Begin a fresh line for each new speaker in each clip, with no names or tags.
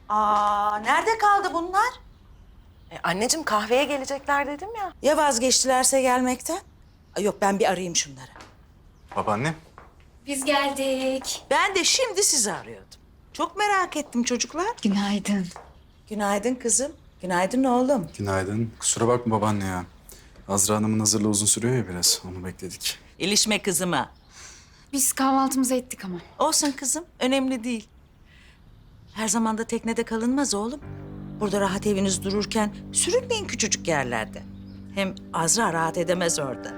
Nerede kaldı bunlar?
Anneciğim kahveye gelecekler dedim ya.
Ya vazgeçtilerse gelmekten? Yok ben bir arayayım şunları.
Babaannem.
Biz geldik.
Ben de şimdi sizi arıyordum. Çok merak ettim çocuklar.
Günaydın.
Günaydın kızım. Günaydın oğlum.
Günaydın. Kusura bakma babaanne ya. Azra Hanım'ın hazırlığı uzun sürüyor ya biraz. Onu bekledik.
İlişme kızıma.
Biz kahvaltımızı ettik ama.
Olsun kızım, önemli değil. Her zaman da teknede kalınmaz oğlum. Burada rahat eviniz dururken sürünmeyin küçücük yerlerde. Hem Azra rahat edemez orada.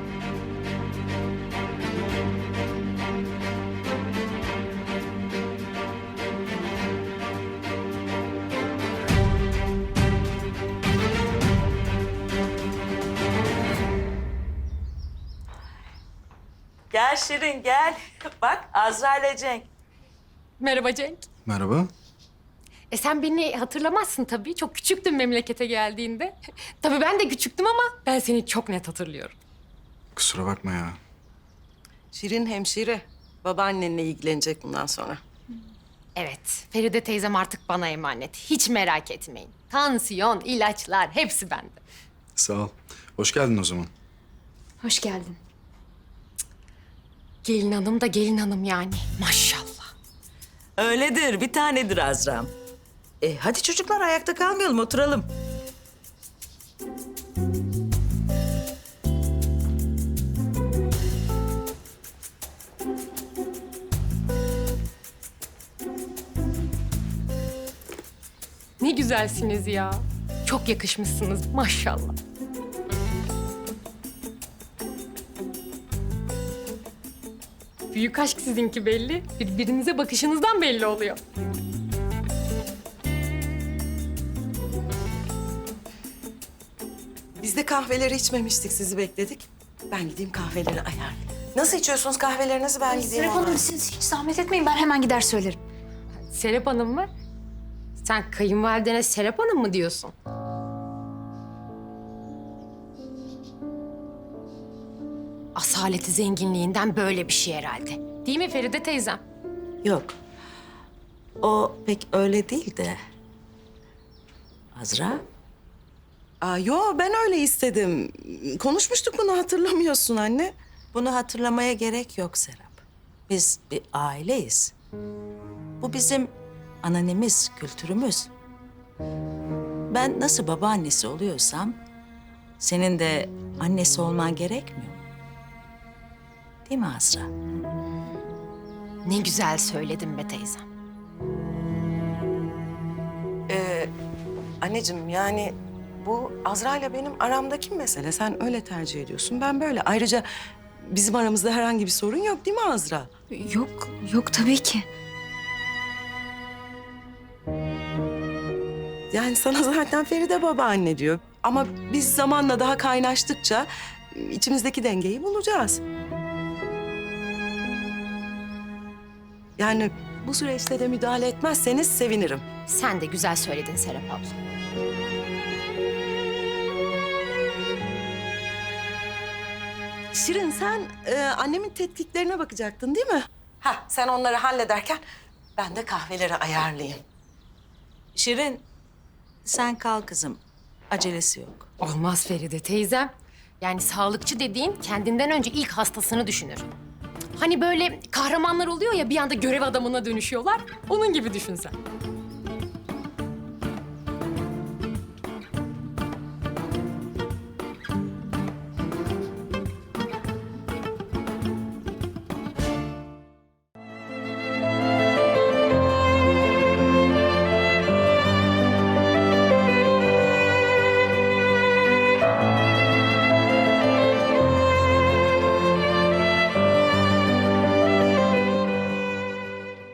Gel Şirin gel. Bak Azra ile Cenk.
Merhaba Cenk.
Merhaba.
Sen beni hatırlamazsın tabii. Çok küçüktün memlekete geldiğinde. Tabii ben de küçüktüm ama ben seni çok net hatırlıyorum.
Kusura bakma ya.
Şirin hemşire. Babaannenle ilgilenecek bundan sonra.
Evet, Feride teyzem artık bana emanet. Hiç merak etmeyin. Tansiyon, ilaçlar hepsi bende.
Sağ ol. Hoş geldin o zaman.
Hoş geldin.
Gelin hanım da gelin hanım yani. Maşallah.
Öyledir, bir tanedir Azra'm. Hadi çocuklar ayakta kalmayalım, oturalım.
Ne güzelsiniz ya. Çok yakışmışsınız maşallah. Büyük aşk sizinki belli. Birbirinize bakışınızdan belli oluyor.
Biz de kahveleri içmemiştik, sizi bekledik. Ben gideyim kahveleri ayarlayayım. Nasıl içiyorsunuz kahvelerinizi? Ben gideyim.
Serap Hanım siz hiç zahmet etmeyin. Ben hemen gider söylerim.
Serap Hanım mı? Sen kayınvalidene Serap Hanım mı diyorsun? Asaleti zenginliğinden böyle bir şey herhalde. Değil mi Feride teyzem?
Yok, o pek öyle değil de. Azra,
Yo ben öyle istedim. Konuşmuştuk bunu, hatırlamıyorsun anne.
bunu hatırlamaya gerek yok Serap. Biz bir aileyiz. Bu bizim ananemiz, kültürümüz. Ben nasıl babaannesi oluyorsam, senin de annesi olman gerekmiyor mu? Değil mi Azra?
Ne güzel söyledin be teyzem.
Anneciğim yani bu Azra ile benim aramdaki mesele. Sen öyle tercih ediyorsun, ben böyle. Ayrıca bizim aramızda herhangi bir sorun yok değil mi Azra?
Yok tabii ki.
Yani sana zaten Feride babaanne diyor. Ama biz zamanla daha kaynaştıkça içimizdeki dengeyi bulacağız. Yani bu süreçte de müdahale etmezseniz sevinirim.
Sen de güzel söyledin Serap abla.
Şirin sen annemin tetkiklerine bakacaktın değil mi? Ha sen onları hallederken ben de kahveleri ayarlayayım.
Şirin, sen kal kızım. Acelesi yok.
Olmaz Feride teyzem. Yani sağlıkçı dediğin kendinden önce ilk hastasını düşünür. Hani böyle kahramanlar oluyor ya bir anda görev adamına dönüşüyorlar. Onun gibi düşün sen.